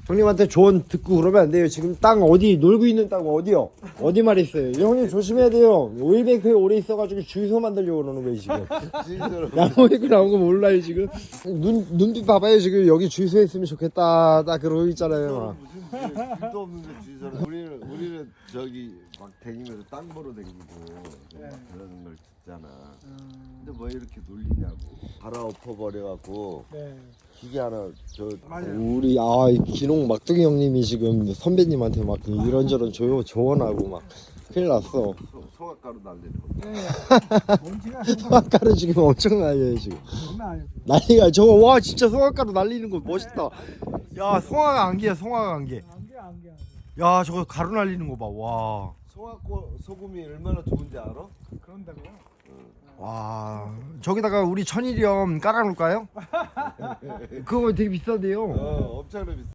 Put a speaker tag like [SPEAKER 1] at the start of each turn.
[SPEAKER 1] 형님한테 조언 듣고 그러면 안 돼요. 지금 땅 어디 놀고 있는 땅 어디요? 어디 말했어요? 형님 조심해야 돼요. 오일뱅크에 오래 있어가지고 주유소 만들려고 그러는 거예요 지금. 야모이크 나온 거 몰라요 지금. 눈빛 봐봐요 지금. 여기 주유소 했으면 좋겠다 딱 그러고 있잖아요.
[SPEAKER 2] 무슨 길도 없는데 주의사를 우리는 저기 막 다니면서 땅 보러 다니고 그러는 걸 듣잖아. 근데 왜 이렇게 놀리냐고. 갈아엎어 버려갖고 기계 하나
[SPEAKER 1] 우리 기농 막둥이 형님이 지금 선배님한테 막 이런저런 조언하고 막 큰일 났어.
[SPEAKER 2] 소각가루 날리는 거.
[SPEAKER 3] 먼지가
[SPEAKER 1] 소각가루 지금 엄청 날려요 지금.
[SPEAKER 3] 장난 아니야.
[SPEAKER 1] 난리가 저거 와 진짜 소각가루 날리는 거 멋있다. 야 송화가 안개야 송화가 안개.
[SPEAKER 3] 안개.
[SPEAKER 1] 야 저거 가루 날리는 거 봐. 와.
[SPEAKER 2] 소금이 얼마나 좋은지 알아?
[SPEAKER 3] 그런다고.
[SPEAKER 1] 와 저기다가 우리 천일염 깔아놓을까요? 그거 되게 비싸대요.
[SPEAKER 2] 엄청나 비싸.